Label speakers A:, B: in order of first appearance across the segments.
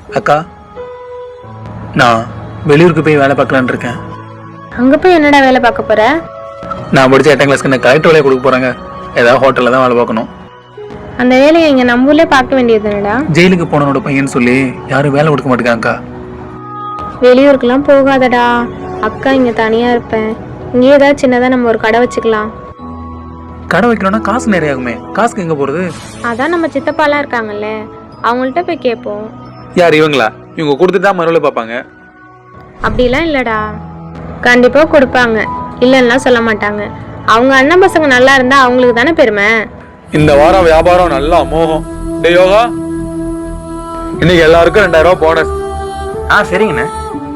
A: அக்கா, நான் வெளியூருக்கு போய் வேலை பார்க்கலான்னு இருக்கேன்.
B: அங்க போய் என்னடா வேலை பார்க்க போற?
A: நான் படிச்ச 8ஆம் கிளாஸ்க்கு எனக்கு கலெக்டர் வேலையை கொடுக்க போறாங்க. ஏதாவது ஹோட்டலில் தான் வேலை பார்க்கணும்.
B: அந்த வேலையை இங்க நம்ம ஊர்லயே பார்க்க வேண்டியதுனடா.
A: ஜெயிலுக்கு போனவனோட பையன் சொல்லி யாரும் வேலை கொடுக்க மாட்டேங்காக்கா.
B: வெளியூருக்குலாம் போகாதடா. அக்கா இங்க தனியா இருப்பேன். இங்கே ஏதாவது சின்னதா நம்ம ஒரு கடை வச்சுக்கலாம்.
A: கடை வைக்கணும்னா காசு நிறைய ஆகுமே. காசுக்கு எங்க போறது?
B: அதான் நம்ம சித்தப்பாலாம் இருக்காங்கல்ல, அவங்கள்ட்ட போய் கேட்போம்.
A: யார் இவங்களா? இவங்க கொடுத்துட்டு தான் மறுபடியும் பார்ப்பாங்க.
B: அப்படிலாம் இல்லடா, கண்டிப்பா கொடுப்பாங்க. இல்லைன்னா சொல்ல மாட்டாங்க. அவங்க அண்ணன் பசங்க நல்லா இருந்தா அவங்களுக்கு தானே பெருமை.
A: இந்த வாரம் வியாபாரம் நல்லா அமோகம். டேய் யோகா, இன்னைக்கு எல்லாருக்கும் 2000 ரூபாய் போனஸ். சரிங்கண்ணே.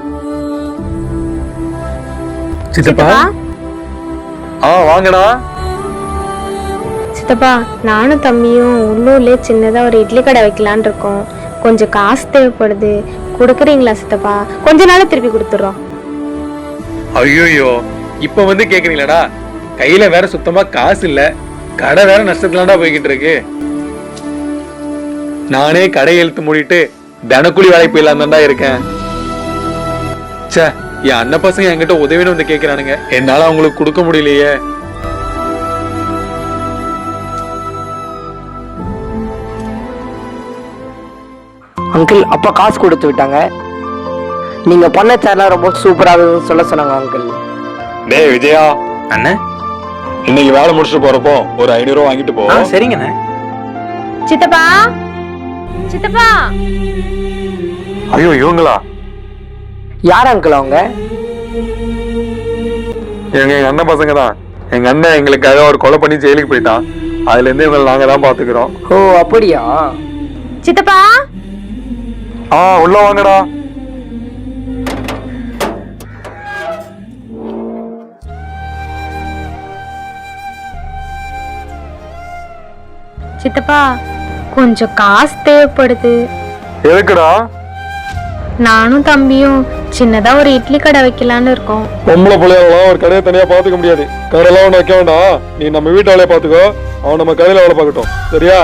A: சித்தப்பா, வாங்கடா.
B: சித்தப்பா, நானும் தம்பியும் உள்ளூர்லயே சின்னதா ஒரு இட்லி கடை வைக்கலான் இருக்கோம். கொஞ்சம் காசு தேவைப்படுது, கொடுக்குறீங்களா சித்தப்பா? கொஞ்ச நாள திருப்பி கொடுத்துறோம்.
A: ஐயோ, இப்ப வந்து கேக்குறீங்களாடா? கையில வேற சுத்தமா காசு இல்ல, கடை வேற நஷ்டத்துலாண்டா போய்கிட்டு இருக்கு. நானே கடை இழுத்து மூடிட்டு தினக்கூலி வேலைக்கு போயிடலாம் தான் இருக்கேன். சே, என் அண்ணன் பசங்க என்கிட்ட உதவின்னு வந்து கேக்குறானுங்க. என்னால அவங்களுக்கு கொடுக்க முடியலையே.
C: அங்கிள், அப்பா காசு கொடுத்து விட்டாங்க. நீங்க பண்ண சேனல் ரொம்ப சூப்பராக சொல்ல சொன்னாங்க அங்கிள்.
A: டேய் விஜயா அண்ணே, இன்னைக்கு வேலை முடிச்சுட்டு போறப்போ ஒரு 500 ரூபாய் வாங்கிட்டு போ. சரிங்கண்ணே.
B: சித்தப்பா, சித்தப்பா.
A: ஐயோ, இவங்களா?
C: யார் அங்கிள் அவங்க?
A: எங்க அண்ணன் பசங்க தான். எங்க அண்ணன் எங்களுக்காக ஒரு கொலை பண்ணி ஜெயிலுக்கு போயிட்டான். அதுல இருந்து இவங்களை நாங்க தான் பாத்துக்கிறோம்.
C: ஓ, அப்படியா?
B: சித்தப்பா,
A: உள்ள வாங்கடா.
B: சித்தப்பா, கொஞ்சம் காசு தேவைப்படுது.
A: எதுக்குடா?
B: நானும் தம்பியும் சின்னதா ஒரு இட்லி கடை வைக்கலான்னு இருக்கோம்.
A: பொம்பளை பிள்ளையாலாம் ஒரு கடையை தனியா பாத்துக்க முடியாது. கடையெல்லாம் ஒண்ணு வைக்க வேண்டாம். நீ நம்ம வீட்டு வேலையை பாத்துக்கோ, அவன் நம்ம கடையில வேலை பார்க்கட்டும். சரியா?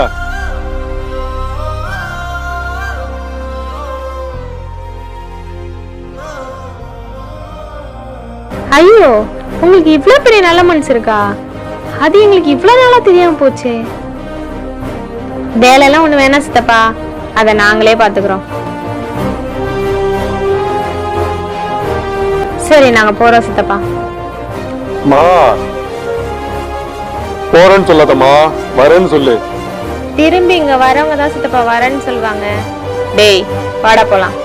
B: ஐயோ, உங்களுக்கு இவ்வளவு பெரிய நல்ல மனசு இருக்கா? அது எங்களுக்கு இவ்வளவு நாளா தெரியாம போச்சே. வேலையெல்லாம் ஒண்ணு வேணாம் சித்தப்பா, அத நாங்களே பாத்துக்கிறோம். சரி, நாங்க போறோம் சித்தப்பா.
A: போறேன்னு சொல்லாதம்மா, வரேன்னு சொல்லு.
B: திரும்பி இங்க வரவங்க தான் சித்தப்பா வரேன்னு சொல்லுவாங்க. டேய், வாடா போலாம்.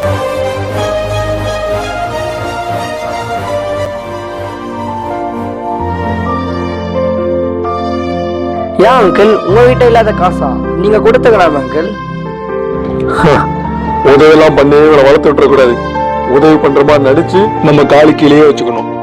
C: ஏன் அங்கிள், உங்க வீட்டை இல்லாத காசா? நீங்க கொடுத்துக்கலாம் அங்கிள்.
A: உதவி எல்லாம் பண்ணி இவனை வளர்த்து விட்டுற கூடாது. உதவி பண்ற மாதிரி நடிச்சு நம்ம காலு கீழே வச்சுக்கணும்.